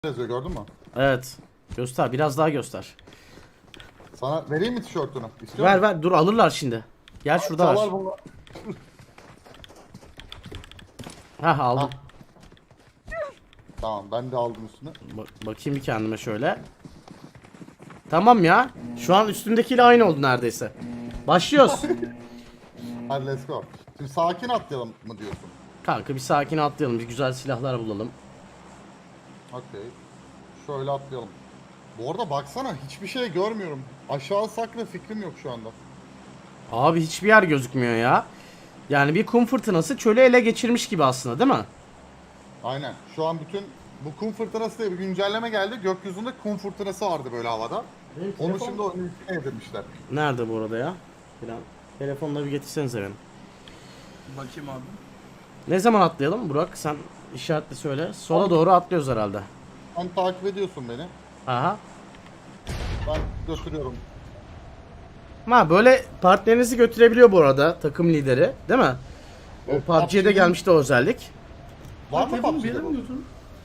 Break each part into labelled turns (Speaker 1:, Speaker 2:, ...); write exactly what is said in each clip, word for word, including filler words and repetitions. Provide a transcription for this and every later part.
Speaker 1: yazıyor, gördün mü?
Speaker 2: Evet. Göster. Biraz daha göster.
Speaker 1: Sana vereyim mi tişörtünü? İstiyor
Speaker 2: Ver
Speaker 1: musun?
Speaker 2: ver. Dur alırlar şimdi. Gel şurada var.
Speaker 1: Çalar bunu.
Speaker 2: Heh aldım.
Speaker 1: Hah. Tamam, ben de aldım üstüne.
Speaker 2: Ba- bakayım bir kendime şöyle. Tamam ya. Şu an üstümdekiyle aynı oldu neredeyse. Başlıyoruz.
Speaker 1: Hadi let's go. Şimdi sakin atlayalım mı diyorsun?
Speaker 2: Kanka bir sakin atlayalım. Bir güzel silahlar bulalım.
Speaker 1: Okey. Şöyle atlayalım. Bu arada baksana, hiçbir şey görmüyorum. Aşağı sakla fikrim yok şu anda.
Speaker 2: Abi hiçbir yer gözükmüyor ya. Yani bir kum fırtınası çölü ele geçirmiş gibi aslında, değil mi?
Speaker 1: Aynen. Şu an bütün bu kum fırtınası diye bir güncelleme geldi. Gökyüzünde kum fırtınası vardı böyle havada.
Speaker 2: Benim
Speaker 1: Onu
Speaker 2: telefon-
Speaker 1: şimdi oyunun içine yedirmişler.
Speaker 2: Nerede bu arada ya? Falan. Telefonla bir getirsenize benim.
Speaker 3: Bakayım abi.
Speaker 2: Ne zaman atlayalım Burak? Sen işaretle söyle. Sola doğru atlıyoruz herhalde.
Speaker 1: Sen takip ediyorsun beni.
Speaker 2: Aha.
Speaker 1: Ben götürüyorum.
Speaker 2: Ha böyle partnerinizi götürebiliyor bu arada takım lideri, değil mi? O
Speaker 1: Evet,
Speaker 2: P U B G'de
Speaker 1: P U B G'nin
Speaker 2: gelmişti o özellik.
Speaker 1: Var mı
Speaker 3: Telefonu bir
Speaker 1: P U B G'de
Speaker 3: yere
Speaker 1: bu?
Speaker 3: mi götürdün?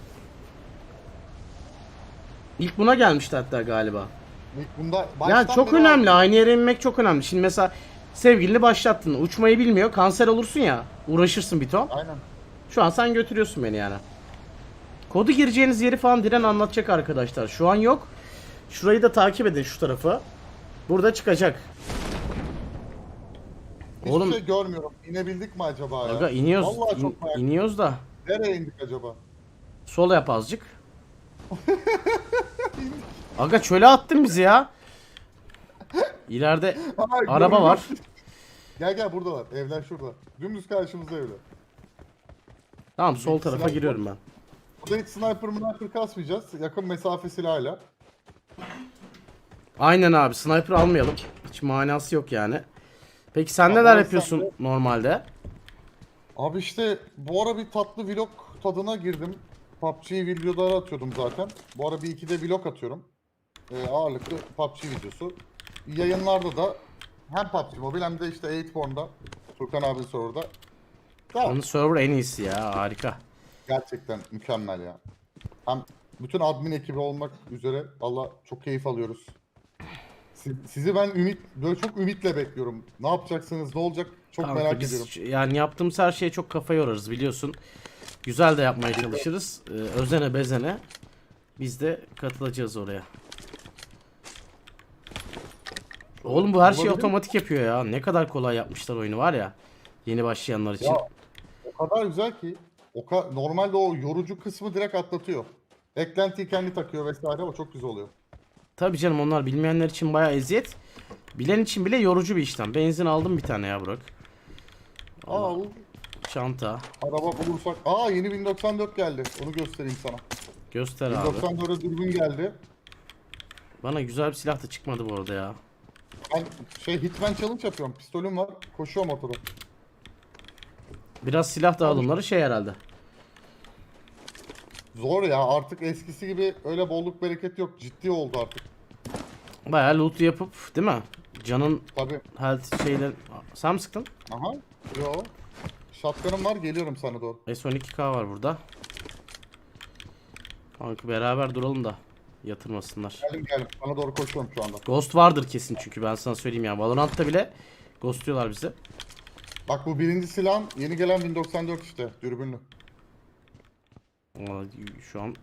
Speaker 2: İlk buna gelmişti hatta galiba.
Speaker 1: İlk Bunda
Speaker 2: Ya
Speaker 1: baştan
Speaker 2: çok
Speaker 1: beri
Speaker 2: önemli.
Speaker 1: var.
Speaker 2: Aynı yere inmek çok önemli. Şimdi mesela sevgilini başlattın. Uçmayı bilmiyor. Kanser olursun ya. Uğraşırsın bir ton.
Speaker 1: Aynen.
Speaker 2: Şu an sen götürüyorsun beni yani. Kodu gireceğiniz yeri falan Diren anlatacak arkadaşlar. Şu an yok. Şurayı da takip edin, şu tarafı. Burada çıkacak.
Speaker 1: Hiçbir
Speaker 2: Oğlum
Speaker 1: şey görmüyorum. İnebildik mi acaba ya?
Speaker 2: aga iniyoruz.
Speaker 1: Vallahi
Speaker 2: İn-
Speaker 1: çok merak ettim.
Speaker 2: iniyoruz da.
Speaker 1: Nereye indik acaba?
Speaker 2: Sol yap azıcık. Aga çöle attın bizi ya. İleride
Speaker 1: Ay,
Speaker 2: araba
Speaker 1: görüyorum.
Speaker 2: var.
Speaker 1: Gel gel, buradalar. Evler şurada. Dümdüz karşımızda evler.
Speaker 2: Tamam sol
Speaker 1: Bir
Speaker 2: tarafa
Speaker 1: silah
Speaker 2: giriyorum ben.
Speaker 1: Burada hiç sniper mınaper kasmayacağız. Yakın mesafe silahıyla.
Speaker 2: Aynen abi, sniper almayalım. Hiç manası yok yani. Peki sen
Speaker 1: Ama
Speaker 2: neler
Speaker 1: sen
Speaker 2: yapıyorsun
Speaker 1: de-
Speaker 2: normalde?
Speaker 1: Abi işte bu ara bir tatlı vlog tadına girdim. P U B G videoları atıyordum zaten. Bu ara bir iki de vlog atıyorum. Ee, ağırlıklı P U B G videosu. Yayınlarda da hem P U B G Mobile hem de işte Eightborn'da. Turkan abi serverda. Ya,
Speaker 2: Onun server en iyisi ya, harika.
Speaker 1: gerçekten mükemmel ya. Hem bütün admin ekibi olmak üzere valla çok keyif alıyoruz. Siz- Sizi ben ümit böyle çok ümitle bekliyorum. Ne yapacaksınız, ne olacak çok
Speaker 2: Kanka
Speaker 1: merak
Speaker 2: biz
Speaker 1: ediyorum.
Speaker 2: yani yaptığımız her şeye çok kafa yorarız biliyorsun. Güzel de yapmaya çalışırız. Ee, özene bezene. Biz de katılacağız oraya. Oğlum bu her şeyi
Speaker 1: Olabilir.
Speaker 2: otomatik yapıyor ya. Ne kadar kolay yapmışlar oyunu var ya. Yeni başlayanlar için.
Speaker 1: Ya o kadar güzel ki o ka- normalde o yorucu kısmı direkt atlatıyor. Eklentiyi kendi takıyor vesaire, o çok güzel oluyor.
Speaker 2: Tabii canım, onlar bilmeyenler için bayağı eziyet. Bilen için bile yorucu bir işlem. Benzin aldım bir tane ya Burak.
Speaker 1: Aa,
Speaker 2: Çanta.
Speaker 1: araba bulursak. Aa, yeni bin doksan dört geldi. Onu göstereyim sana.
Speaker 2: Göster abi.
Speaker 1: bin doksan dörde dürbün geldi.
Speaker 2: Bana güzel bir silah da çıkmadı bu arada ya.
Speaker 1: Ben şey Hitman Challenge yapıyorum. Pistolüm var. Koşuyorum ortada.
Speaker 2: Biraz silah dağılımları şey herhalde.
Speaker 1: Zor ya, artık eskisi gibi öyle bolluk bereket yok. Ciddi oldu artık.
Speaker 2: Bayağı loot yapıp değil mi? Canın
Speaker 1: Tabii.
Speaker 2: health şeyler... Sen mi sıktın?
Speaker 1: Aha. Yo. Shotgun'ım var, geliyorum sana doğru.
Speaker 2: S on iki K var burada. Kanka beraber duralım da yatırmasınlar.
Speaker 1: Geldim geldim. Sana doğru koşuyorum şu anda.
Speaker 2: Ghost vardır kesin, çünkü ben sana söyleyeyim ya. Valorant'ta bile ghostluyorlar bizi.
Speaker 1: Bak, bu birinci silahım yeni gelen bin doksan dört işte. Dürbünlü.
Speaker 2: Aa, şu an...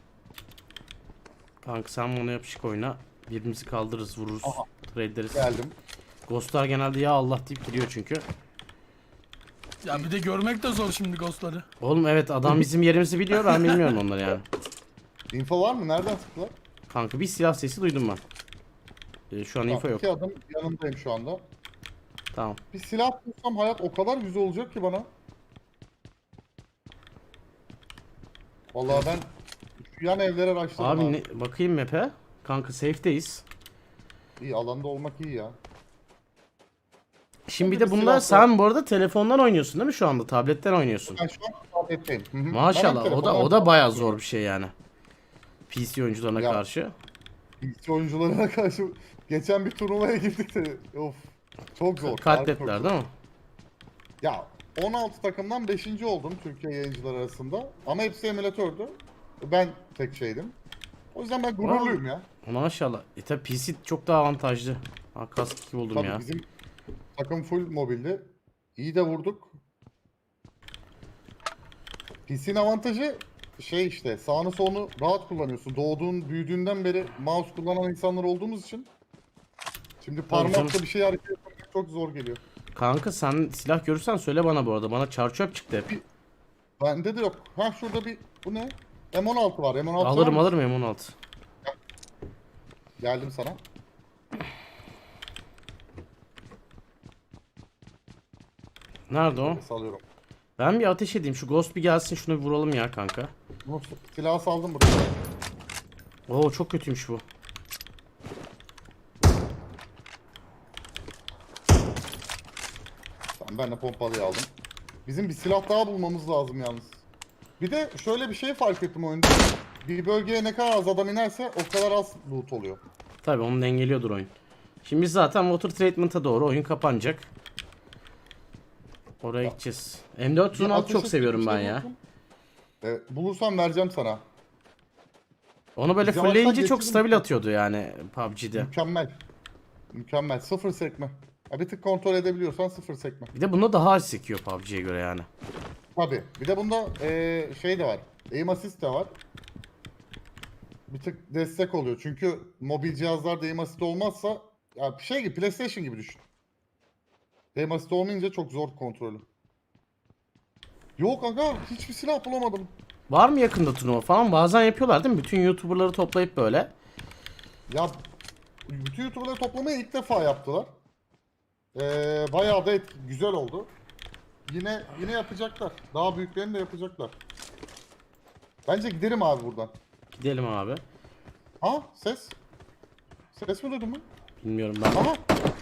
Speaker 2: Kanka sen bana yapışık oyna. Birbirimizi kaldırırız, vururuz.
Speaker 1: Aha.
Speaker 2: Trade ederiz.
Speaker 1: Geldim.
Speaker 2: Ghostlar genelde ya Allah deyip giriyor çünkü.
Speaker 3: Ya bir de görmek de zor şimdi ghostları.
Speaker 2: Oğlum evet, adam bizim yerimizi biliyor, ben bilmiyorum onları yani.
Speaker 1: Info var mı? Nereden sıktılar?
Speaker 2: Kanka bir silah sesi duydum ben. Ee, şu an info
Speaker 1: Tamam,
Speaker 2: yok.
Speaker 1: iki adım yanındayım şu anda.
Speaker 2: Tamam.
Speaker 1: Bir silah bulsam hayat o kadar güzel olacak ki bana. Vallahi ben şu yan evlere başladım
Speaker 2: Abi
Speaker 1: abi.
Speaker 2: ne, bakayım map'e. Kanka safe'deyiz.
Speaker 1: İyi, alanda olmak iyi ya.
Speaker 2: Şimdi bir
Speaker 1: Hadi
Speaker 2: de
Speaker 1: bir
Speaker 2: bunda
Speaker 1: silah
Speaker 2: sen bu arada telefondan oynuyorsun değil mi şu anda? Tabletten oynuyorsun.
Speaker 1: Ben şu an tabletteyim. Hı hı. Ben
Speaker 2: Maşallah,
Speaker 1: hem
Speaker 2: o da
Speaker 1: telefondan-
Speaker 2: o da bayağı zor bir şey yani. P C oyuncularına
Speaker 1: Ya.
Speaker 2: karşı.
Speaker 1: İlk oyuncularına karşı geçen bir turnuvaya girdik de of, çok zor.
Speaker 2: Katletler
Speaker 1: harbi çok
Speaker 2: değil
Speaker 1: zor.
Speaker 2: mi?
Speaker 1: Ya on altı takımdan beşinci oldum Türkiye yayıncılar arasında. Ama hepsi emülatördü. ben tek şeydim. O yüzden ben gururluyum ya.
Speaker 2: Maşallah. E tabi P C çok daha avantajlı. Ha, kask iki buldum
Speaker 1: Tabii
Speaker 2: ya.
Speaker 1: bizim takım full mobildi. İyi de vurduk. P C'nin avantajı şey işte sağını solunu rahat kullanıyorsun. Doğduğun, büyüdüğünden beri mouse kullanan insanlar olduğumuz için şimdi
Speaker 2: canım.
Speaker 1: parmakla bir şey hareket etmek çok zor geliyor.
Speaker 2: Kanka sen silah görürsen söyle bana bu arada. Bana çarçöp çıktı hep.
Speaker 1: Bende de yok. Ha şurada bir bu ne? M on altı var. M on altı
Speaker 2: Alırım
Speaker 1: var mı?
Speaker 2: alırım M on altı.
Speaker 1: Geldim sana.
Speaker 2: Nerede o?
Speaker 1: Salıyorum.
Speaker 2: Ben bir ateş edeyim. Şu Ghost bir gelsin, şunu bir vuralım ya kanka.
Speaker 1: Bunu silahı saldım buraya.
Speaker 2: Oo çok kötüymüş bu.
Speaker 1: Tamam ben de pompalıyı aldım. Bizim bir silah daha bulmamız lazım yalnız. Bir de şöyle bir şey fark ettim oyunda. Bir bölgeye ne kadar az adam inerse o kadar az loot oluyor.
Speaker 2: Tabi onu dengeliyordur oyun. Şimdi biz zaten Water Treatment'a doğru oyun kapanacak. Oraya gideceğiz. M dört yüz on altı
Speaker 1: Bir
Speaker 2: çok
Speaker 1: ateş
Speaker 2: seviyorum
Speaker 1: ettiğim
Speaker 2: ben
Speaker 1: şey
Speaker 2: ya.
Speaker 1: buldum. Ee, bulursam vereceğim sana.
Speaker 2: Onu böyle
Speaker 1: Biz yavaştan
Speaker 2: fullleyince çok
Speaker 1: geçelim.
Speaker 2: stabil atıyordu yani P U B G'de.
Speaker 1: Mükemmel. Mükemmel. Sıfır sekme. Ya bir tık kontrol edebiliyorsan sıfır sekme.
Speaker 2: Bir de bunda daha az sekiyor P U B G'ye göre yani.
Speaker 1: Tabi. Bir de bunda ee, şey de var. Aim assist de var. Bir tık destek oluyor. Çünkü mobil cihazlarda aim assist olmazsa ya şey gibi PlayStation gibi düşün. Aim assist olmayınca çok zor kontrolü. Yok aga hiçbir silah bulamadım.
Speaker 2: Var mı yakında turnuva falan? Bazen yapıyorlar değil mi? Bütün YouTuber'ları toplayıp böyle.
Speaker 1: Ya bütün YouTuber'ları toplamayı ilk defa yaptılar. Ee, bayağı da etki, güzel oldu. Yine yine yapacaklar. Daha büyüklerini de yapacaklar. Bence gidelim abi buradan.
Speaker 2: Gidelim abi.
Speaker 1: Ha ses. Ses mi duydun mu?
Speaker 2: Bilmiyorum ben.
Speaker 1: Aha.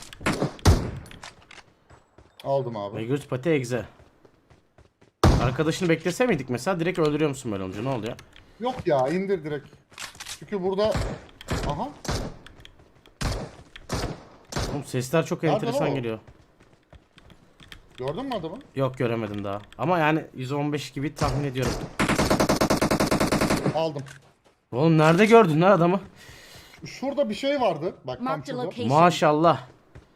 Speaker 1: Aldım abi.
Speaker 2: Megurt Pati Egze. Arkadaşını beklese miydik mesela? Direkt öldürüyor musun böyle olunca? Ne oluyor?
Speaker 1: Yok ya indir direkt. Çünkü burada... Aha.
Speaker 2: Oğlum sesler çok
Speaker 1: Nerede
Speaker 2: enteresan
Speaker 1: lan o?
Speaker 2: geliyor.
Speaker 1: Gördün mü adamı?
Speaker 2: Yok göremedim daha. Ama yani yüz on beş gibi tahmin ediyorum.
Speaker 1: Aldım.
Speaker 2: Oğlum nerede gördün lan adamı?
Speaker 1: Şurada bir şey vardı. Bak tam
Speaker 4: Marked a
Speaker 1: şurada.
Speaker 4: location.
Speaker 2: Maşallah.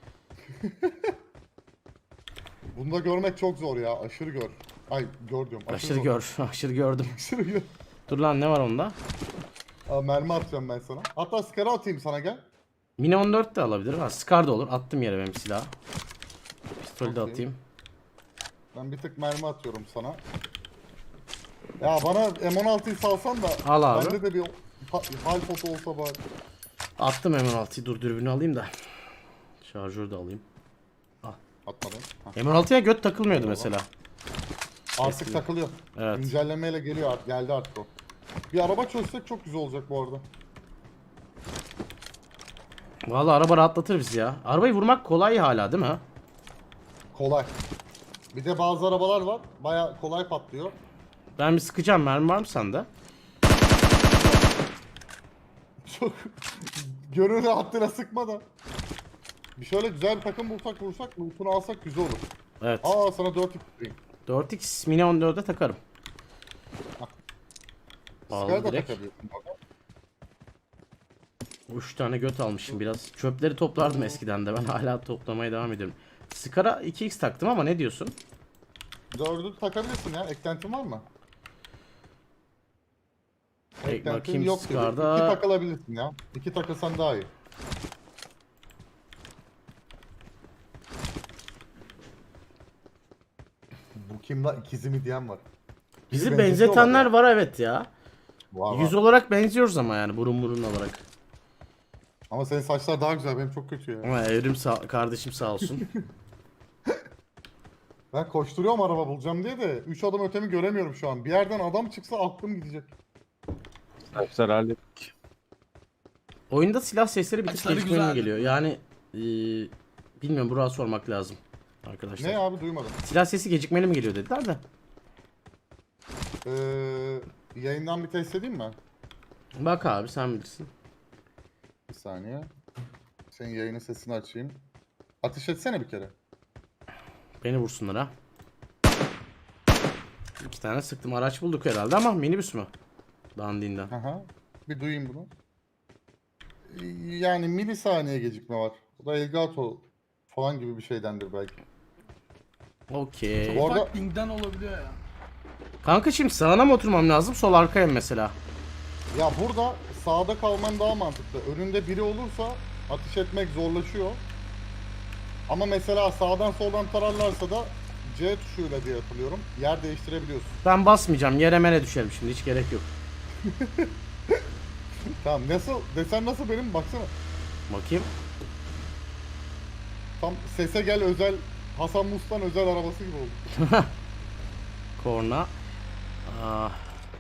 Speaker 1: Bunu da görmek çok zor ya. Aşırı gör. Ay gör diyorum.
Speaker 2: Aşırı
Speaker 1: zor.
Speaker 2: gör. Aşırı gördüm.
Speaker 1: Aşırı gör.
Speaker 2: Dur lan ne var onda?
Speaker 1: Aa, mermi atacağım ben sana. Hatta skara atayım sana gel.
Speaker 2: Mini on dört de alabilir. Ha, Scar da olur. Attım yere benim silahı. Pistolü de
Speaker 1: Okey.
Speaker 2: atayım.
Speaker 1: Ben bir tık mermi atıyorum sana. Ya bana M on altıyı salsan da
Speaker 2: Al abi.
Speaker 1: bende de bir ha- hal foto olsa bari.
Speaker 2: Attım M on altıyı. Dur dürbünü alayım da. Şarjörü de alayım.
Speaker 1: Atmadım. Hah.
Speaker 2: M on altıya göt takılmıyordu mesela.
Speaker 1: Artık takılıyor.
Speaker 2: Evet.
Speaker 1: Güncellemeyle geliyor artık. Geldi artık o. Bir araba çözsek çok güzel olacak bu arada.
Speaker 2: Vallahi araba rahatlatır bizi ya. Arabayı vurmak kolay hala değil mi?
Speaker 1: Kolay. Bir de bazı arabalar var. Baya kolay patlıyor.
Speaker 2: Ben bir sıkacağım. Mermi var mı sende?
Speaker 1: Çok gönül rahatlığına sıkma da. Bir şöyle güzel bir takım bulsak vursak lootunu alsak güzel olur.
Speaker 2: Evet.
Speaker 1: Aa sana dört x vereyim.
Speaker 2: dört x Mini on dörde takarım.
Speaker 1: Skara
Speaker 2: Aldım
Speaker 1: da
Speaker 2: direkt.
Speaker 1: takabiliyorsun. bak.
Speaker 2: üç tane göt almışım biraz. Çöpleri toplardım eskiden de. Ben hala toplamaya devam ediyorum. Scar'a iki x taktım ama ne diyorsun?
Speaker 1: Dördü takabilirsin ya. Eklentin var mı?
Speaker 2: Ek-
Speaker 1: Eklentin
Speaker 2: bakayım
Speaker 1: yok dedi.
Speaker 2: Scar'da-
Speaker 1: İki takılabilirsin ya. İki takılsan daha iyi. Bu kim la? İkizi mi diyen var.
Speaker 2: Bizi
Speaker 1: Bizi
Speaker 2: benzetenler
Speaker 1: benzetiyorlar
Speaker 2: var evet ya.
Speaker 1: Var, var.
Speaker 2: Yüz olarak benziyoruz ama yani burun burun olarak.
Speaker 1: Ama senin saçlar daha güzel. Benim çok kötü ya.
Speaker 2: Ama evrim sağ kardeşim sağ olsun.
Speaker 1: Ben koşturuyorum araba bulacağım diye de üç adım ötemi göremiyorum şu an. Bir yerden adam çıksa aklım gidecek.
Speaker 5: Saçlar hallettik.
Speaker 2: Oyunda silah sesleri bir tık
Speaker 3: Saçları
Speaker 2: gecikmeli
Speaker 3: güzel.
Speaker 2: geliyor. Yani eee bilmiyorum Burak'a sormak lazım arkadaşlar.
Speaker 1: Ne abi duymadım.
Speaker 2: Silah sesi gecikmeli mi geliyor dediler de.
Speaker 1: Ee, yayından bir test edeyim mi?
Speaker 2: Bak abi sen bilirsin.
Speaker 1: Bir saniye. Senin yayının sesini açayım. Ateş etsene bir kere.
Speaker 2: Beni vursunlar ha. İki tane sıktım. Araç bulduk herhalde ama minibüs mü? Dandinden.
Speaker 1: Aha. Bir duyayım bunu. Yani milisaniye gecikme var. O da Elgato falan gibi bir şeydendir belki.
Speaker 2: Okey.
Speaker 1: Bu arada-
Speaker 3: Ufak pingden olabiliyor ya.
Speaker 2: Kanka şimdi sağına mı oturmam lazım, sol arkaya mı mesela?
Speaker 1: Ya burada sağda kalman daha mantıklı. Önünde biri olursa ateş etmek zorlaşıyor. Ama mesela sağdan soldan tararlarsa da C tuşuyla diye hatırlıyorum. Yer değiştirebiliyorsun.
Speaker 2: Ben basmayacağım. Yere mene düşerim şimdi. Hiç gerek yok.
Speaker 1: Tamam nasıl desen nasıl benim baksana.
Speaker 2: Bakayım.
Speaker 1: Tam sese gel özel Hasan Mustan özel arabası gibi oldu.
Speaker 2: Korna. Ah.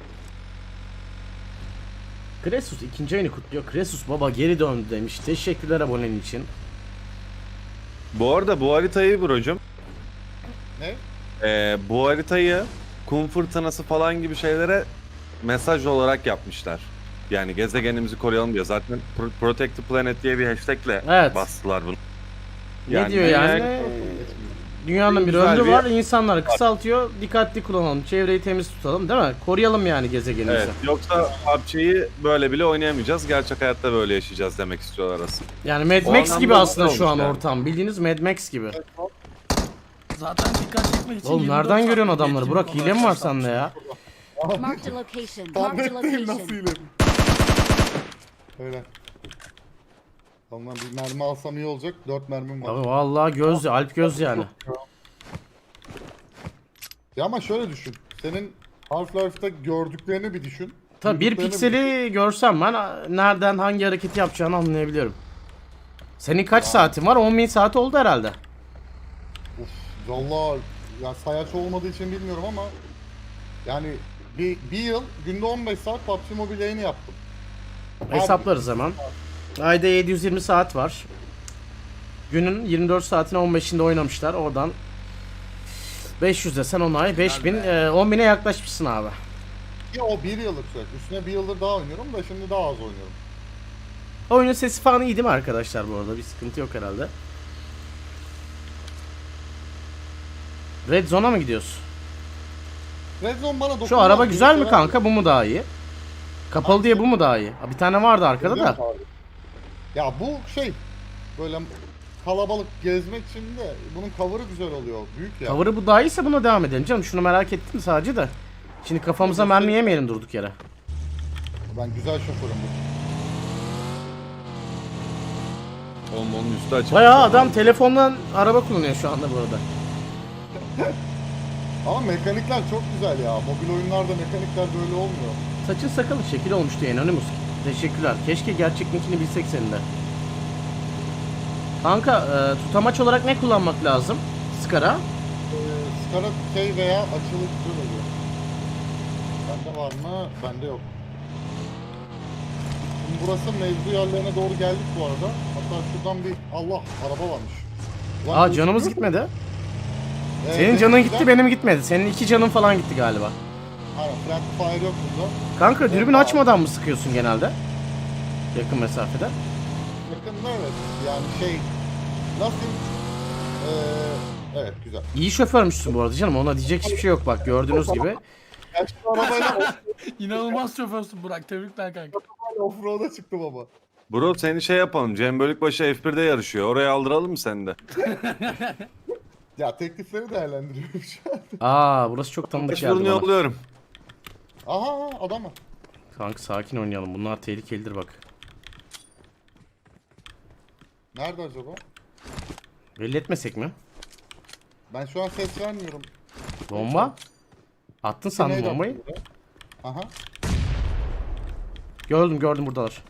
Speaker 2: Kresus ikinci ayını kutluyor. Kresus baba geri döndü demiş. Teşekkürler abonen için.
Speaker 5: Bu arada bu haritayı brocum.
Speaker 1: Ne?
Speaker 5: Ee, bu haritayı kum fırtınası falan gibi şeylere mesaj olarak yapmışlar. Yani gezegenimizi koruyalım diye. Zaten Pro- Protect the Planet diye bir hashtagle
Speaker 2: Evet.
Speaker 5: bastılar bunu.
Speaker 2: Ne diyor yani? Dünyanın bir
Speaker 5: Güzel
Speaker 2: ömrü
Speaker 5: bir-
Speaker 2: var. İnsanları kısaltıyor. Dikkatli kullanalım. Çevreyi temiz tutalım değil mi? Koruyalım yani gezegenimizi.
Speaker 5: Evet, yoksa P U B G'yi böyle bile oynayamayacağız. Gerçek hayatta böyle yaşayacağız demek istiyorlar aslında.
Speaker 2: Yani Mad
Speaker 5: O
Speaker 2: Max
Speaker 5: anlamda
Speaker 2: gibi aslında
Speaker 5: güzel
Speaker 2: şu an
Speaker 5: olmuş yani.
Speaker 2: ortam. Bildiğiniz Mad Max gibi.
Speaker 3: Zaten dikkat çekmek için
Speaker 2: Oğlum
Speaker 3: yirmi dört
Speaker 2: nereden
Speaker 3: saat
Speaker 2: görüyorsun
Speaker 3: bir
Speaker 2: adamları?
Speaker 3: geçim
Speaker 2: Burak hile mi var
Speaker 3: olarak
Speaker 2: sende ya?
Speaker 4: Marked a location. Marked a
Speaker 1: Tabletteyim nasıl
Speaker 4: location.
Speaker 1: ileri. Öyle. Ondan bir mermi alsam iyi olacak. Dört mermim var.
Speaker 2: Abi vallahi göz, Alp göz yani.
Speaker 1: Ya ama şöyle düşün. Senin Half-Life'da gördüklerini bir düşün.
Speaker 2: Tabii bir
Speaker 1: Duyduklarını
Speaker 2: pikseli görsem ben nereden hangi hareketi yapacağını anlayabiliyorum. Senin kaç saatin var? on bin saat oldu herhalde.
Speaker 1: Uf, vallahi ya sayaç olmadığı için bilmiyorum ama yani bir, bir yıl günde on beş saat P U B G Mobile yayını yaptım.
Speaker 2: Hesaplarız hemen. Ayda yedi yüz yirmi saat var. Günün yirmi dört saatine on beşinde oynamışlar. Oradan beş yüz desen on ay beş bin, e, on bine yaklaşmışsın abi.
Speaker 1: Ya o bir yıllık süreç. Üstüne bir yıldır daha oynuyorum da şimdi daha az oynuyorum.
Speaker 2: Oyunun sesi falan iyi değil mi arkadaşlar bu arada? Bir sıkıntı yok herhalde. Red Zone'a mı gidiyoruz?
Speaker 1: Red Zone bana dokunmaz.
Speaker 2: Şu araba
Speaker 1: Bir
Speaker 2: güzel mi
Speaker 1: sefer-
Speaker 2: kanka? Bu mu daha iyi? Kapalı diye bu mu daha iyi? Ha, bir tane vardı arkada da.
Speaker 1: Ya bu şey böyle kalabalık gezmek için de bunun cover'ı güzel oluyor. Büyük ya.
Speaker 2: Cover'ı bu daha iyiyse buna devam edelim canım. Şunu merak ettim sadece de. Şimdi kafamıza mermi yemeyelim durduk yere.
Speaker 1: Ben güzel şoförüm.
Speaker 5: Oğlum onun üstü açık.
Speaker 2: Bayağı adam telefondan araba kullanıyor şu anda bu arada.
Speaker 1: Ama mekanikler çok güzel ya. Mobil oyunlarda mekanikler böyle olmuyor.
Speaker 2: Saçın sakalı şekil olmuş diye Anonymous. Teşekkürler. Keşke gerçekliğini bilsek senin de. Kanka e, tutamaç olarak ne kullanmak lazım? Skara.
Speaker 1: Ee, Skara şey veya açılı güzel oluyor. Bende var mı? Bende yok. Şimdi burası mevzu yerlerine doğru geldik bu arada. Hatta şuradan bir Allah araba varmış. Ulan
Speaker 2: Aa
Speaker 1: bu-
Speaker 2: canımız gitmedi.
Speaker 1: Evet,
Speaker 2: Senin
Speaker 1: evet,
Speaker 2: canın
Speaker 1: güzel.
Speaker 2: gitti benim gitmedi. Senin iki canın falan gitti galiba.
Speaker 1: Aynen friendly fire yok burada.
Speaker 2: Kanka dürbün
Speaker 1: Evet,
Speaker 2: açmadan mı sıkıyorsun genelde? Yakın mesafede.
Speaker 1: Yakında evet yani şey nasıl ee, evet güzel.
Speaker 2: İyi şoförmüşsün bu arada canım. Ona diyecek hiçbir şey yok bak gördüğünüz gibi.
Speaker 1: Ya şu arabayla
Speaker 3: İnanılmaz şoförsün Burak. Tebrikler kanka.
Speaker 1: offroad'a çıktım ama.
Speaker 5: Bro seni şey yapalım. Cem Bölükbaşı F bir'de yarışıyor. Oraya aldıralım mı seni de?
Speaker 1: Ya teklifleri değerlendiriyorum şu an.
Speaker 2: Aa burası çok tanıdık geldi
Speaker 5: Başvurunu
Speaker 2: bana.
Speaker 5: yolluyorum.
Speaker 1: Aha aha, adam var.
Speaker 2: Kanka sakin oynayalım. Bunlar tehlikelidir bak.
Speaker 1: Nerede acaba?
Speaker 2: Belli etmesek mi?
Speaker 1: Ben şu an ses vermiyorum.
Speaker 2: Bomba? Attın sandım
Speaker 1: Neydi
Speaker 2: bombayı.
Speaker 1: atıyor? Aha.
Speaker 2: Gördüm gördüm buradalar.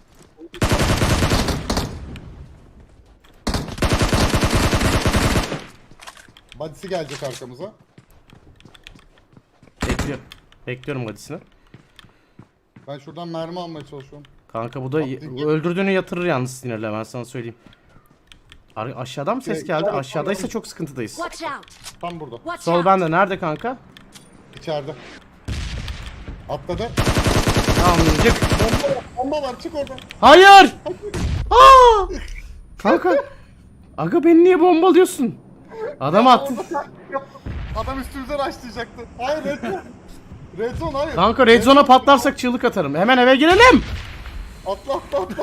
Speaker 1: Badisi gelecek arkamıza.
Speaker 2: Bekliyorum. Bekliyorum hadisini.
Speaker 1: Ben şuradan mermi almaya çalışıyorum.
Speaker 2: Kanka bu da y- öldürdüğünü yatırır yalnız sinirle ben sana söyleyeyim. Ar- aşağıdan mı ses geldi? Aşağıdaysa çok sıkıntıdayız.
Speaker 4: Watch out.
Speaker 1: Tam burada.
Speaker 4: Watch
Speaker 2: Sol
Speaker 4: out.
Speaker 2: bende. Nerede kanka?
Speaker 1: İçeride. Atladı.
Speaker 2: Tamam cık.
Speaker 1: Bomba var, bomba var çık oradan.
Speaker 2: Hayır! Aa! Kanka. Aga beni niye bombalıyorsun? Adam attı.
Speaker 1: Adam üstümüze raşlayacaktı. Hayır bekle. Red zone hayır.
Speaker 2: Kanka red zone'a patlarsak çığlık atarım. Hemen eve girelim.
Speaker 1: Atla atla atla.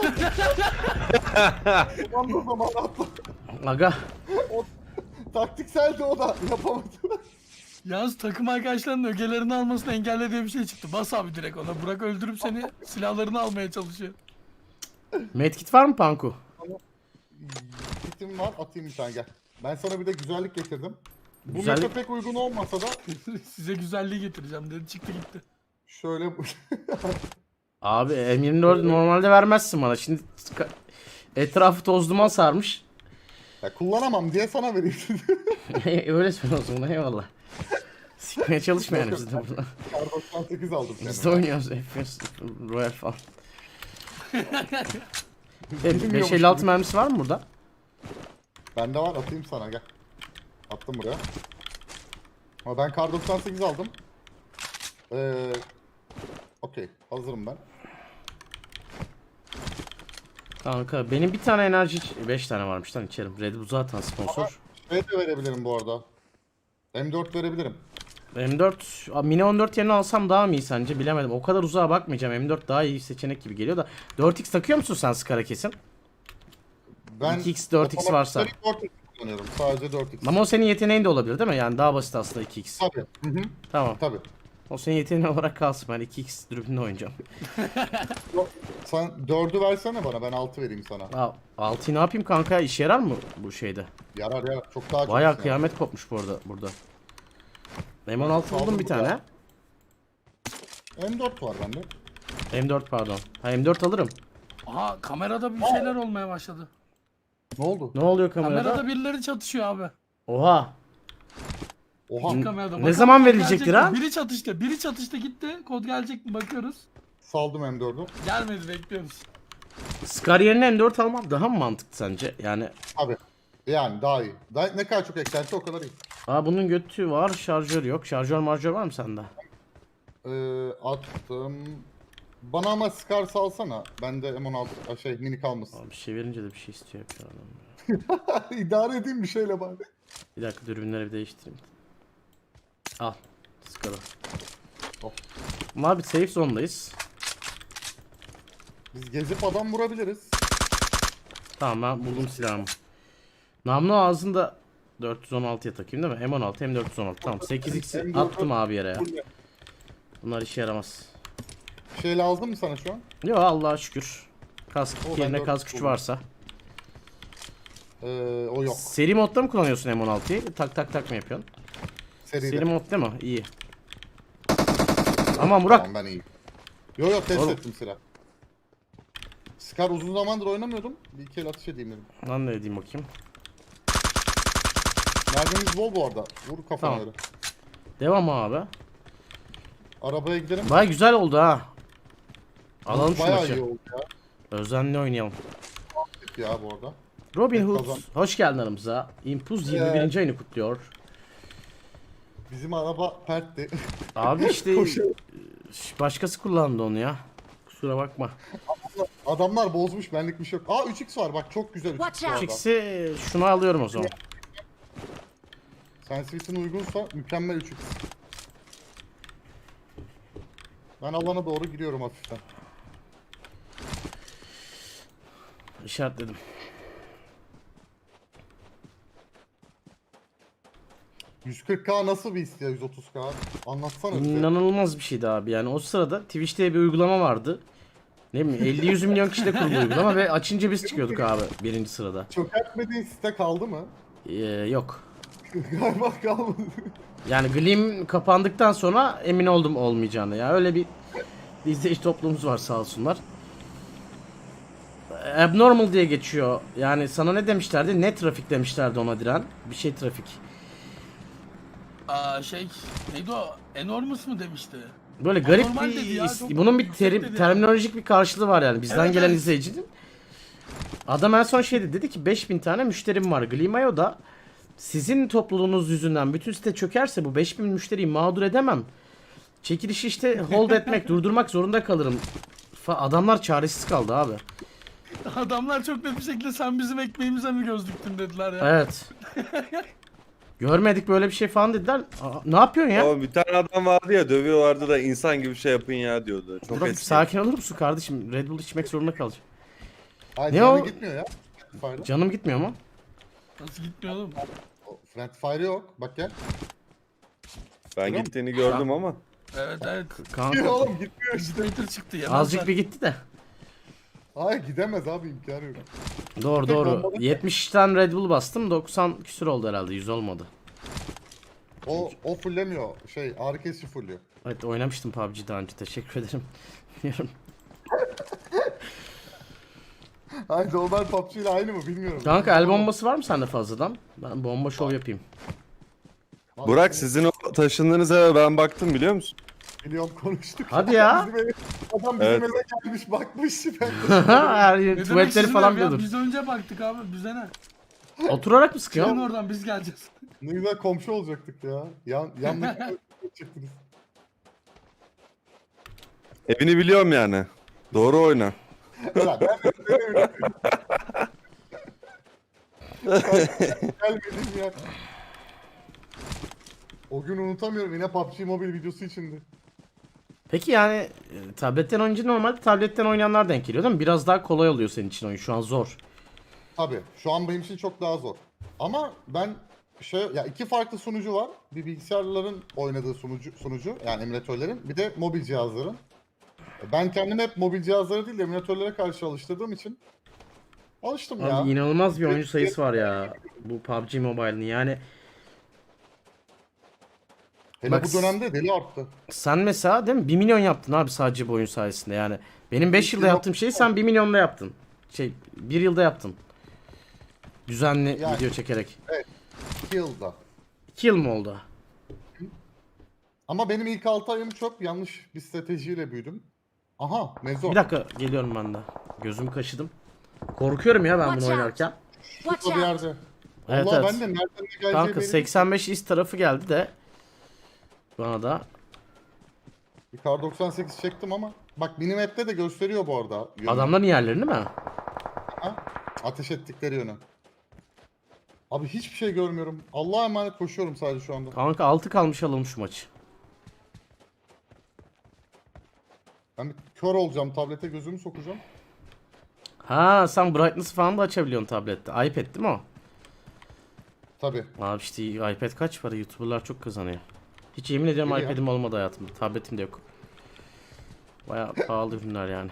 Speaker 1: Tamam o zaman atla.
Speaker 2: Aga.
Speaker 1: Taktikseldi o da yapamadı.
Speaker 3: Yalnız takım arkadaşlarının ögelerini almasını engelle diye bir şey çıktı. Bas abi direkt ona. Burak öldürüp seni silahlarını almaya çalışıyor.
Speaker 2: Medkit var mı Panku?
Speaker 1: Kitim var atayım bir tane gel. Ben sana bir de güzellik getirdim. Bu
Speaker 2: Güzellik-
Speaker 1: meta pek uygun olmasa da
Speaker 3: Size güzelliği getireceğim dedi. Çıktı gitti.
Speaker 1: şöyle
Speaker 2: Abi M yirmi dört normalde vermezsin bana. Şimdi ska- etrafı toz duman sarmış.
Speaker 1: ya kullanamam diye sana vereyim.
Speaker 2: Öyle söyle o zaman eyvallah. Sikmeye çalışma yani biz de burada.
Speaker 1: Kar doksan sekiz aldım
Speaker 2: Biz de
Speaker 1: kendime.
Speaker 2: oynuyoruz F P S, Royal falan.
Speaker 1: Bilmiyormuş
Speaker 2: beş elli altı
Speaker 1: gibi.
Speaker 2: mermisi var mı burada?
Speaker 1: Bende var atayım sana gel. Attım buraya. Ama ben kar doksan sekiz aldım. Ee, Okey hazırım ben.
Speaker 2: Kanka benim bir tane enerji beş tane varmış lan içerim. Red Bull zaten sponsor.
Speaker 1: Şey de verebilirim bu arada. M dört verebilirim.
Speaker 2: M dört Aa, Mini on dört yerine alsam daha mı iyi sence bilemedim. O kadar uzağa bakmayacağım. M dört daha iyi seçenek gibi geliyor da. dört x takıyor musun sen Skara kesin?
Speaker 1: Ben
Speaker 2: iki x, dört x varsa.
Speaker 1: otomatikleri dört x kullanıyorum. Sadece dört x.
Speaker 2: Ama o senin yeteneğin de olabilir değil mi? Yani daha basit aslında iki x.
Speaker 1: Tabii. Hı hı.
Speaker 2: Tamam.
Speaker 1: Tabii.
Speaker 2: O senin yeteneğin olarak kalsın. Ben iki x dürbünle oynayacağım.
Speaker 1: Sen dördü versene bana ben altı vereyim sana.
Speaker 2: Aa, altıyı ne yapayım kanka? İşe yarar mı bu şeyde?
Speaker 1: Yarar yarar. Çok daha çok.
Speaker 2: Bayağı
Speaker 1: işine
Speaker 2: kıyamet kopmuş bu arada burada. M on altı buldum
Speaker 1: Aldım
Speaker 2: bir
Speaker 1: burada.
Speaker 2: tane.
Speaker 1: yarar. M dört var bende.
Speaker 2: M dört pardon. Ha M dört alırım.
Speaker 3: Aha kamerada bir şeyler olmaya başladı.
Speaker 1: Ne oldu?
Speaker 2: Ne oluyor kamerada?
Speaker 3: Kamerada birileri çatışıyor abi.
Speaker 2: Oha.
Speaker 1: Oha.
Speaker 3: Kamerada.
Speaker 2: Ne
Speaker 3: Bakalım
Speaker 2: zaman
Speaker 3: kod
Speaker 2: verilecektir
Speaker 3: gelecek mi?
Speaker 2: ha?
Speaker 3: Biri çatıştı. Biri çatıştı gitti. Kod gelecek mi bakıyoruz.
Speaker 1: Saldım M dördü.
Speaker 3: Gelmedi bekliyoruz.
Speaker 2: Scar yerine M dört almak daha mı mantıklı sence? Yani
Speaker 1: Abi. Yani daha iyi. Daha, ne kadar çok eklerse o kadar iyi.
Speaker 2: aa bunun götü var, şarjör yok. Şarjör marjör var mı sende?
Speaker 1: Ee, attım. Bana ama Scar salsana. Bende M on altı şey mini kalmasın.
Speaker 2: Abi bir şey verince de bir şey istiyor yapıyor adam.
Speaker 1: İdare edeyim bir şeyle bari.
Speaker 2: Bir dakika dürbünleri bir değiştireyim. Al. Scar'ı.
Speaker 1: Hop.
Speaker 2: Ama abi safe zone'dayız.
Speaker 1: Biz gezip adam vurabiliriz.
Speaker 2: Tamam ben buldum silahımı. Namlu ağzında dört yüz on altıya takayım değil mi? M on altı hem dört yüz on altı. Tamam sekiz x'i attım abi yere ya. Bunlar işe yaramaz.
Speaker 1: Şey lazım mı sana şu an?
Speaker 2: Yo Allah'a şükür. Kask
Speaker 1: O, ben
Speaker 2: yerine
Speaker 1: dört
Speaker 2: kask güç
Speaker 1: buldum.
Speaker 2: varsa.
Speaker 1: Ee, o yok.
Speaker 2: Seri modda mı kullanıyorsun M on altıyı? Tak tak tak mı yapıyorsun?
Speaker 1: Seride.
Speaker 2: Seri mod değil mi? İyi. Aman Burak.
Speaker 1: Tamam ben iyiyim. Yo yo test
Speaker 2: Oğlum.
Speaker 1: ettim silah. Scar uzun zamandır oynamıyordum. Bir iki el atış edeyim dedim.
Speaker 2: Lan ne edeyim bakayım.
Speaker 1: Mermimiz bol bu arada. Vur kafana
Speaker 2: Tamam.
Speaker 1: öyle.
Speaker 2: Devam abi.
Speaker 1: Arabaya gidelim.
Speaker 2: Baya güzel oldu ha. Alalım şu
Speaker 1: Bayağı iyi
Speaker 2: maçı.
Speaker 1: oldu ya.
Speaker 2: Özenli oynayalım.
Speaker 1: Ya bu arada.
Speaker 2: Robin
Speaker 1: Evet,
Speaker 2: Hood
Speaker 1: kazan.
Speaker 2: hoş geldin aramıza. Impuz yirmi birinci ayını kutluyor.
Speaker 1: Bizim araba pertti.
Speaker 2: Abi işte
Speaker 1: Koşuyor.
Speaker 2: başkası kullandı onu ya. Kusura bakma.
Speaker 1: Adamlar bozmuş benlik bir şey yok. Aa üç x var bak çok güzel üç x
Speaker 4: Watch
Speaker 1: bu
Speaker 4: out.
Speaker 1: arada.
Speaker 2: üç x'i şunu alıyorum o zaman.
Speaker 1: Sensitivity'nin uygunsa mükemmel üç x. Ben alana doğru giriyorum hafiften.
Speaker 2: İşaretledim.
Speaker 1: yüz kırk K nasıl bir his ya yüz otuz K? Anlatsana bize.
Speaker 2: İnanılmaz bir şeydi abi. Yani o sırada Twitch'te bir uygulama vardı. Ne bileyim elli yüz milyon kişi de kurulu uygulama ve açınca biz çıkıyorduk abi birinci sırada.
Speaker 1: Çökertmediğin site kaldı mı?
Speaker 2: Ee, yok.
Speaker 1: Galiba kalmadı.
Speaker 2: Yani Gleam kapandıktan sonra emin oldum olmayacağını ya. Öyle bir izleyici toplumumuz var sağ olsunlar. Abnormal diye geçiyor. Yani sana ne demişlerdi? Ne trafik demişlerdi ona Diren. Bir şey trafik.
Speaker 3: Aa şey neydi o? Enormous mu demişti?
Speaker 2: Böyle garip
Speaker 3: Anormal
Speaker 2: bir
Speaker 3: dedi ya,
Speaker 2: is-
Speaker 3: çok
Speaker 2: bunun bir
Speaker 3: yüksek
Speaker 2: terim-
Speaker 3: dedi.
Speaker 2: terminolojik bir karşılığı var yani bizden
Speaker 3: Evet,
Speaker 2: gelen
Speaker 3: evet.
Speaker 2: izleyicinin. Adam en son şey dedi, dedi ki beş bin tane müşterim var. Glimayo'da sizin topluluğunuz yüzünden bütün site çökerse bu beş bin müşteriyi mağdur edemem. Çekilişi işte hold etmek, durdurmak zorunda kalırım. Fa- Adamlar çaresiz kaldı abi.
Speaker 3: Adamlar çok net bir şekilde sen bizim ekmeğimize mi göz diktin dediler ya.
Speaker 2: Evet. Görmedik böyle bir şey falan dediler. Aa, ne yapıyorsun ya?
Speaker 5: Ama bir tane adam vardı ya, dövüyorlardı da insan gibi şey yapın ya diyordu. Çok
Speaker 2: Burak
Speaker 5: eski.
Speaker 2: sakin olur musun kardeşim? Red Bull içmek zorunda kalacağım.
Speaker 1: Hayır,
Speaker 2: Ne
Speaker 1: canı
Speaker 2: o?
Speaker 1: gitmiyor ya. Fire.
Speaker 2: Canım gitmiyor mu?
Speaker 3: Nasıl gitmiyor oğlum?
Speaker 1: Friend Fire yok. Bak gel.
Speaker 5: Ben
Speaker 1: Biliyor
Speaker 5: gittiğini gördüm ama.
Speaker 3: Evet evet.
Speaker 2: Kanka
Speaker 1: Oğlum gitmiyor işte.
Speaker 3: Meter çıktı ya.
Speaker 2: azıcık bir gitti de.
Speaker 1: Hayır gidemez abi, imkanı yok.
Speaker 2: Doğru
Speaker 1: Tek
Speaker 2: doğru.
Speaker 1: bombalı-
Speaker 2: yetmiş tane Red Bull bastım. doksan küsür oldu herhalde. yüz olmadı.
Speaker 1: O, o fullemiyor. Şey ağrı kesici fulluyor.
Speaker 2: Evet oynamıştım P U B G daha önce. Teşekkür ederim. Bilmiyorum.
Speaker 1: Hayır normal P U B G ile aynı mı bilmiyorum.
Speaker 2: Kanka el bombası var mı sende fazladan? Ben bomba şov yapayım.
Speaker 1: Vallahi
Speaker 5: Burak, sizin o taşındığınız eve ben baktım, biliyor musun?
Speaker 1: Biliyorum, konuştuk.
Speaker 2: Hadi ya.
Speaker 1: Bizim eve- adam bizim
Speaker 5: Evet.
Speaker 1: eve gelmiş bakmış. Ben
Speaker 2: Her
Speaker 3: Ne
Speaker 2: yer
Speaker 3: demek
Speaker 2: tuvaletleri
Speaker 3: sizin
Speaker 2: falan
Speaker 3: ev ya?
Speaker 2: biliyordur.
Speaker 3: Biz önce baktık abi bize ne?
Speaker 2: Oturarak mı
Speaker 3: Çıkın
Speaker 2: sıkıyorsun?
Speaker 3: oradan biz geleceğiz.
Speaker 1: ne güzel komşu olacaktık ya. Yan, yanlış çıktınız.
Speaker 5: Evini biliyorum yani. Doğru oyna.
Speaker 1: Ulan ben de gelmedim ya. O gün unutamıyorum, yine P U B G Mobile videosu içindi.
Speaker 2: Peki yani e, tabletten oynayınca normalde tabletten oynayanlar denk geliyor değil mi? Biraz daha kolay oluyor senin için oyun. Şu an zor.
Speaker 1: Tabii şu an benim için çok daha zor. Ama ben şey ya iki farklı sunucu var. Bir bilgisayarların oynadığı sunucu sunucu yani emülatörlerin, bir de mobil cihazların. Ben kendimi hep mobil cihazlara değil de emülatörlere karşı alıştırdığım için alıştım ya.
Speaker 2: Abi inanılmaz bir oyuncu sayısı var ya. Bu P U B G Mobile'ın yani.
Speaker 1: Hele
Speaker 2: bak-
Speaker 1: bu dönemde deli arttı.
Speaker 2: Sen mesela değil mi? bir milyon yaptın abi sadece bu oyun sayesinde yani. Benim beş yılda yaptığım şeyi sen bir milyonda yaptın. Şey bir yılda yaptın. Düzenli
Speaker 1: Yani.
Speaker 2: video çekerek.
Speaker 1: iki yılda.
Speaker 2: iki yıl mı oldu?
Speaker 1: Ama benim ilk altı ayım çok yanlış bir stratejiyle büyüdüm. Aha Mezo.
Speaker 2: Bir dakika geliyorum ben de. Gözümü kaşıdım. Korkuyorum ya ben bunu
Speaker 4: Watch out.
Speaker 2: oynarken.
Speaker 4: Watch
Speaker 1: Şurada bir
Speaker 4: out!
Speaker 1: yerde.
Speaker 2: Evet,
Speaker 1: Vallahi
Speaker 2: evet.
Speaker 1: ben de nereden ne geleceği
Speaker 2: Kanka
Speaker 1: belli.
Speaker 2: seksen beş is tarafı geldi de. Bana da.
Speaker 1: Bir kar doksan sekiz çektim ama. Bak minimap'te de gösteriyor bu arada. Yönü.
Speaker 2: Adamların yerlerini mi?
Speaker 1: Ha? Ateş ettikleri yönü. Abi hiçbir şey görmüyorum. Allah'a emanet koşuyorum sadece şu anda.
Speaker 2: Kanka altı kalmış alalım şu maçı.
Speaker 1: Ben bir kör olacağım, tablete gözümü sokacağım.
Speaker 2: Ha sen brightness'ı falan da açabiliyorsun tablette. iPad değil mi o?
Speaker 1: Tabi.
Speaker 2: Abi işte iPad kaç para? YouTuber'lar çok kazanıyor. Hiç yemin ediyorum
Speaker 1: Öyle ya.
Speaker 2: iPad'im olmadı hayatımda. Tabletim de yok. Baya pahalı ürünler yani.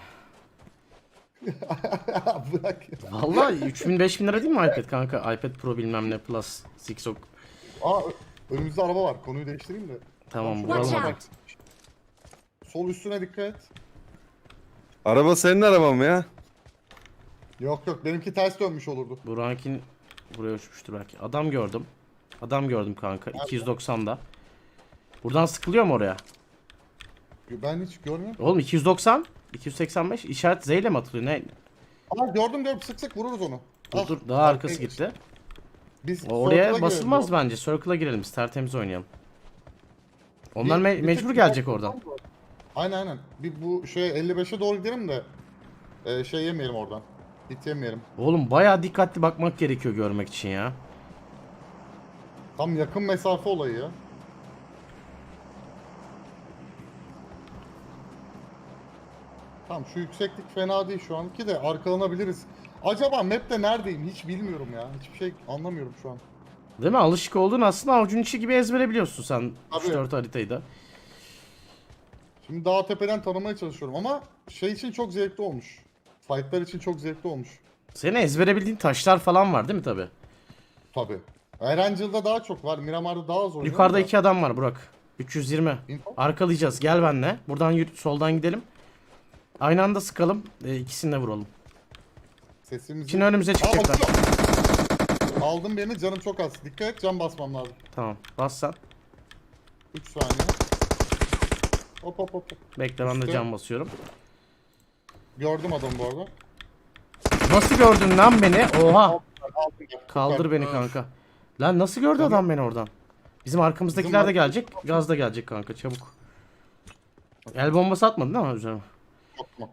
Speaker 1: Bırak ya.
Speaker 2: Vallahi üç bin beş bin lira değil mi iPad kanka? iPad Pro bilmem ne Plus. Sixok.
Speaker 1: Aa ö- önümüzde araba var. Konuyu değiştireyim de.
Speaker 2: Tamam
Speaker 1: Watch
Speaker 2: vuralım
Speaker 4: Watch
Speaker 2: hadi.
Speaker 4: out!
Speaker 1: Sol üstüne dikkat et.
Speaker 5: Araba senin araban mı ya?
Speaker 1: Yok yok, benimki ters dönmüş olurdu.
Speaker 2: Burak'ın buraya uçmuştur belki. Adam gördüm. Adam gördüm kanka. iki yüz doksan'da. Buradan sıkılıyor mu oraya?
Speaker 1: Ben hiç görmüyorum.
Speaker 2: Oğlum iki yüz doksan, iki yüz seksen beş işaret Z ile mi atılıyor? Ne?
Speaker 1: Aa gördüm gördüm, sık sık vururuz onu.
Speaker 2: Dur
Speaker 1: Ah,
Speaker 2: dur daha
Speaker 1: arkaya
Speaker 2: arkası
Speaker 1: geç.
Speaker 2: gitti.
Speaker 1: Biz
Speaker 2: O Oraya
Speaker 1: circle'a
Speaker 2: basılmaz
Speaker 1: girelim.
Speaker 2: bence. Circle'a girelim biz. Tertemiz oynayalım. Onlar
Speaker 1: Bir-
Speaker 2: me-
Speaker 1: bir
Speaker 2: mecbur
Speaker 1: tek-
Speaker 2: gelecek oradan.
Speaker 1: Aynen aynen. Bir bu şey elli beşe doğru gidelim de e, şey yemeyelim oradan. Hit yemeyelim.
Speaker 2: Oğlum bayağı dikkatli bakmak gerekiyor görmek için ya.
Speaker 1: Tam yakın mesafe olayı ya. Tamam şu yükseklik fena değil şu anki de arkalanabiliriz. Acaba map'te neredeyim hiç bilmiyorum ya. Hiçbir şey anlamıyorum şu an.
Speaker 2: Değil mi? Alışık olduğun aslında avucun içi gibi ezbere biliyorsun sen
Speaker 1: Tabii.
Speaker 2: üç dört haritayı da.
Speaker 1: Şimdi dağ tepeden tanımaya çalışıyorum ama şey için çok zevkli olmuş. Fight'lar için çok zevkli olmuş.
Speaker 2: Senin ezbere bildiğin taşlar falan var değil mi tabi?
Speaker 1: Tabi. Erangel'da daha çok var. Miramar'da daha az oynuyorum
Speaker 2: Yukarıda
Speaker 1: da.
Speaker 2: iki adam var Burak. üç yüz yirmi.
Speaker 1: Info?
Speaker 2: Arkalayacağız. Gel benle. Buradan yürü, soldan gidelim. Aynı anda sıkalım. E, ikisini de vuralım.
Speaker 1: Sesimizi...
Speaker 2: Şimdi önümüze
Speaker 1: Aa,
Speaker 2: çıkacaklar.
Speaker 1: bakıyor. Aldım birini, canım çok az. Dikkat et, can basmam lazım.
Speaker 2: Tamam. Bas sen.
Speaker 1: üç saniye. Hop hop hop. hop.
Speaker 2: Bekle ben de
Speaker 1: Üstte.
Speaker 2: can basıyorum.
Speaker 1: Gördüm adamı bu arada.
Speaker 2: Nasıl gördün lan beni? Oha.
Speaker 1: Aldım,
Speaker 2: Kaldır beni kanka. Lan nasıl gördü adam beni oradan? Bizim arkamızdakiler
Speaker 1: Bizim
Speaker 2: de gelecek. Gaz da gelecek kanka çabuk. El bombası atmadın değil mi üzerime?
Speaker 1: Korkma.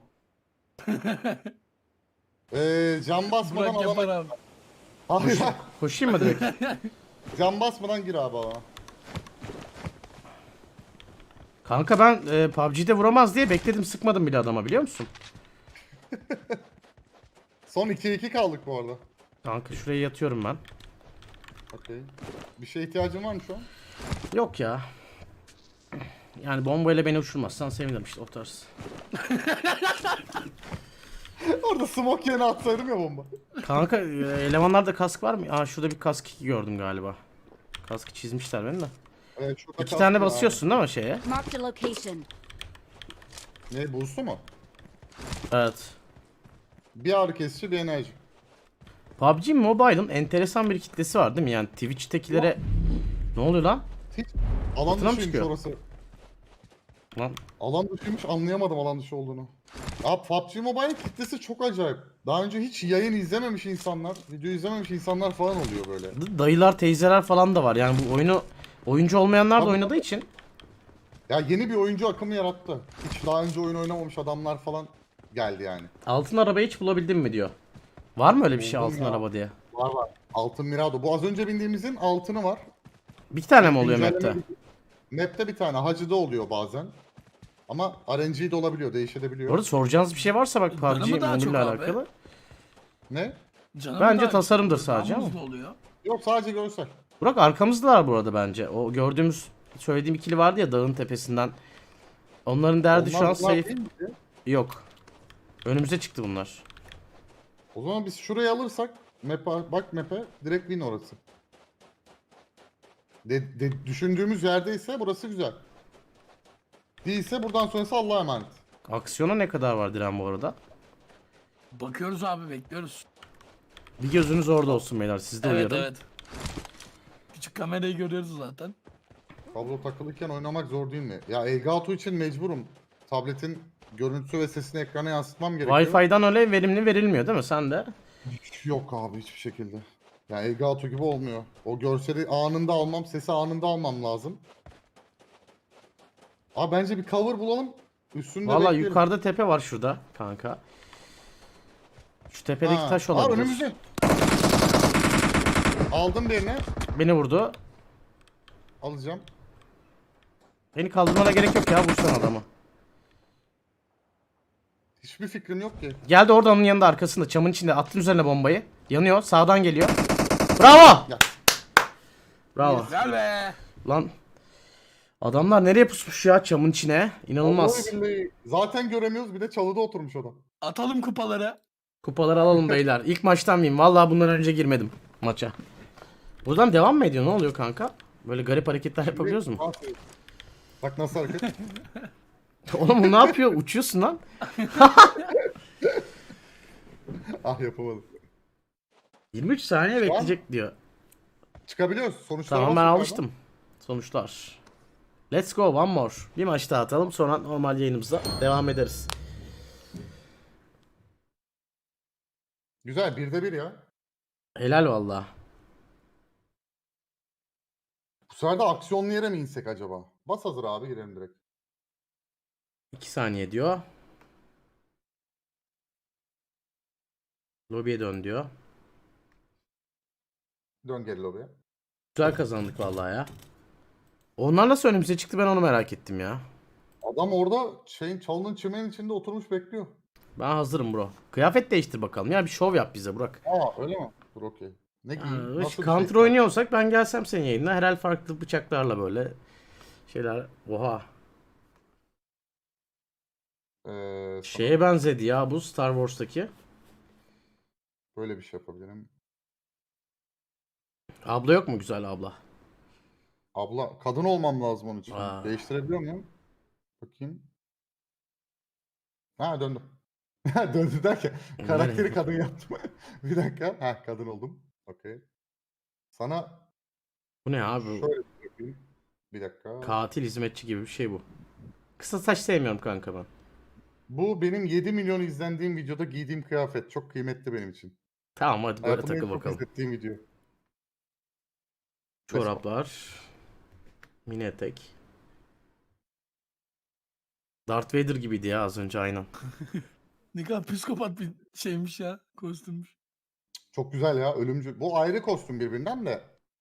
Speaker 1: Eee can basmadan
Speaker 3: Burak yapar
Speaker 1: alana...
Speaker 3: abi.
Speaker 1: Hayır.
Speaker 2: Koşayım mı direkt?
Speaker 1: Can basmadan gir abi ona.
Speaker 2: Kanka ben e, P U B G'de vuramaz diye bekledim, sıkmadım bile adama, biliyor musun?
Speaker 1: Son ikiye iki kaldık bu arada.
Speaker 2: Kanka şuraya yatıyorum ben.
Speaker 1: Okey. Bir şeye ihtiyacın var mı şu an?
Speaker 2: Yok ya. Yani bombayla beni uçurmazsan sevinirim işte, o tarz.
Speaker 1: Orada smoke yerine atsaydım ya bomba.
Speaker 2: Kanka e, elemanlarda kask var mı? Aa şurada bir kask iki gördüm galiba. Kaskı çizmişler beni de.
Speaker 1: Evet, şurada
Speaker 2: İki
Speaker 1: kalsın
Speaker 2: tane
Speaker 1: ya.
Speaker 2: basıyorsun değil mi şeye?
Speaker 4: Marked a location.
Speaker 1: Ne, boost'u mu?
Speaker 2: Evet.
Speaker 1: Bir ağrı kesici, bir enerji.
Speaker 2: P U B G Mobile'ın enteresan bir kitlesi var değil mi? Yani Twitch'tekilere... Ne oluyor lan?
Speaker 1: Hiç alan
Speaker 2: Fırtına mı
Speaker 1: dışıymış
Speaker 2: çıkıyor?
Speaker 1: orası.
Speaker 2: Lan
Speaker 1: Alan dışıymış, anlayamadım alan dışı olduğunu. Ya P U B G Mobile kitlesi çok acayip. Daha önce hiç yayın izlememiş insanlar, video izlememiş insanlar falan oluyor böyle.
Speaker 2: d- dayılar, teyzeler falan da var. Yani bu oyunu oyuncu olmayanlar da
Speaker 1: Tabii,
Speaker 2: oynadığı
Speaker 1: tabii.
Speaker 2: için.
Speaker 1: Ya yeni bir oyuncu akımı yarattı. Hiç daha önce oyun oynamamış adamlar falan geldi yani.
Speaker 2: Altın arabayı hiç bulabildin mi diyor. Var mı öyle bir şey,
Speaker 1: Buldum
Speaker 2: altın
Speaker 1: ya.
Speaker 2: araba diye?
Speaker 1: Var var. Altın Mirado. Bu az önce bindiğimizin altını var.
Speaker 2: Bir tane mi oluyor
Speaker 1: Güncelleme
Speaker 2: map'te?
Speaker 1: bir- Map'te bir tane. Hacı'da oluyor bazen. Ama R N G de olabiliyor. Değişebiliyor.
Speaker 2: Bu arada soracağınız bir şey varsa bak, P U B
Speaker 3: Canı
Speaker 2: G
Speaker 3: mı daha
Speaker 2: Mobile
Speaker 3: çok
Speaker 2: ile
Speaker 3: abi?
Speaker 2: alakalı.
Speaker 1: Ne?
Speaker 3: Canım
Speaker 2: Bence
Speaker 3: daha-
Speaker 2: tasarımdır
Speaker 3: daha
Speaker 2: sadece ama.
Speaker 3: muzlu oluyor.
Speaker 1: Yok, sadece görsel.
Speaker 2: Burak arkamızdalar bu arada bence. O gördüğümüz, söylediğim ikili vardı ya dağın tepesinden. Onların derdi şu
Speaker 1: Onlar
Speaker 2: an
Speaker 1: bunlar
Speaker 2: safe.
Speaker 1: değil miydi?
Speaker 2: Yok. Önümüze çıktı bunlar.
Speaker 1: O zaman biz şurayı alırsak map'e, bak map'e direkt win orası. De, de- düşündüğümüz yerdeyse burası güzel. Değilse buradan sonrası Allah'a emanet.
Speaker 2: Aksiyona ne kadar var Diren bu arada?
Speaker 3: Bakıyoruz abi, bekliyoruz.
Speaker 2: Bir gözünüz orada olsun beyler, siz de
Speaker 3: Evet
Speaker 2: uyarın.
Speaker 3: evet. Küçük kamerayı görüyoruz zaten.
Speaker 1: Kablo takılıyken oynamak zor değil mi? Ya Elgato için mecburum. Tabletin görüntüsü ve sesini ekrana yansıtmam gerekiyor.
Speaker 2: Wi-Fi'den öyle verimli verilmiyor değil mi? Sen de.
Speaker 1: Yok abi, hiçbir şekilde. Ya Elgato gibi olmuyor. O görseli anında almam, sesi anında almam lazım. Abi bence bir cover bulalım. Üstünde
Speaker 2: Valla
Speaker 1: bekleyelim.
Speaker 2: yukarıda tepe var şurada kanka. Şu tepedeki
Speaker 1: Ha.
Speaker 2: taş
Speaker 1: Aa,
Speaker 2: olabilir.
Speaker 1: önümüzde. Aldım birini.
Speaker 2: Beni vurdu.
Speaker 1: Alacağım.
Speaker 2: Beni kaldırmana gerek yok ya, vursan adamı.
Speaker 1: Hiçbir fikrim yok ki.
Speaker 2: Geldi orada, onun yanında, arkasında, çamın içinde, attın üzerine bombayı. Yanıyor, sağdan geliyor. Bravo!
Speaker 1: Ya.
Speaker 2: Bravo.
Speaker 3: Güzel be.
Speaker 2: Lan adamlar nereye pusmuş ya çamın içine? İnanılmaz.
Speaker 1: Vallahi billahi. Zaten göremiyoruz, bir de çalıda oturmuş adam.
Speaker 3: Atalım kupaları.
Speaker 2: Kupaları alalım beyler. İlk maçtan mıyım? Vallahi bundan önce girmedim maça. Buradan devam mı ediyor? Ne oluyor kanka? Böyle garip hareketler yapabiliyoruz mu?
Speaker 1: Bak nasıl hareket.
Speaker 2: Oğlum bu ne yapıyor? Uçuyorsun lan.
Speaker 1: Ah, yapamadım.
Speaker 2: yirmi üç saniye bekleyecek diyor.
Speaker 1: Çıkabiliyoruz. Sonuçlara
Speaker 2: Tamam, ben
Speaker 1: basın
Speaker 2: alıştım. Sonuçlar. Let's go, one more. Bir maç daha atalım, sonra normal yayınımıza devam ederiz.
Speaker 1: Güzel, birde bir ya.
Speaker 2: Helal vallahi.
Speaker 1: Bu sefer de aksiyonlu yere mi insek acaba? Bas hazır abi, girelim direkt.
Speaker 2: iki saniye diyor. Lobiye dön diyor.
Speaker 1: Dön geri lobiye.
Speaker 2: Güzel kazandık vallahi ya. Onlar nasıl önümüze çıktı, ben onu merak ettim ya.
Speaker 1: Adam orada şeyin, çalının çimenin içinde oturmuş bekliyor.
Speaker 2: Ben hazırım bro. Kıyafet değiştir bakalım ya, bir şov yap bize Burak.
Speaker 1: Aa, öyle mi? Dur, okey. Ne giyeyim?
Speaker 2: Ee,
Speaker 1: Nasıl bir
Speaker 2: Counter
Speaker 1: şey?
Speaker 2: oynuyorsak ben gelsem senin yayınına, herhal farklı bıçaklarla böyle şeyler. Oha.
Speaker 1: Ee, sana
Speaker 2: Şeye benzedi ya bu Star Wars'taki.
Speaker 1: böyle bir şey yapabilirim.
Speaker 2: Abla yok mu güzel abla?
Speaker 1: Abla, kadın olmam lazım onun için.
Speaker 2: Aa.
Speaker 1: Değiştirebiliyor muyum? Bakayım. Ha, döndüm. Döndü derken karakteri kadın yaptım. Bir dakika. Ha, kadın oldum. Okey. Sana
Speaker 2: Bu ne abi?
Speaker 1: şöyle bir yapayım. Bir dakika.
Speaker 2: Katil hizmetçi gibi bir şey bu. Kısa saç sevmiyorum kanka ben.
Speaker 1: Bu benim yedi milyon izlendiğim videoda giydiğim kıyafet. Çok kıymetli benim için.
Speaker 2: Tamam hadi böyle
Speaker 1: Hayatımda en
Speaker 2: takıl
Speaker 1: çok
Speaker 2: bakalım.
Speaker 1: izlettiğim video.
Speaker 2: Çoraplar. Mini etek. Darth Vader gibiydi ya az önce, aynen.
Speaker 3: Ne kadar psikopat bir şeymiş ya. Kostümmüş.
Speaker 1: Çok güzel ya, ölümcül. Bu ayrı kostüm birbirinden de.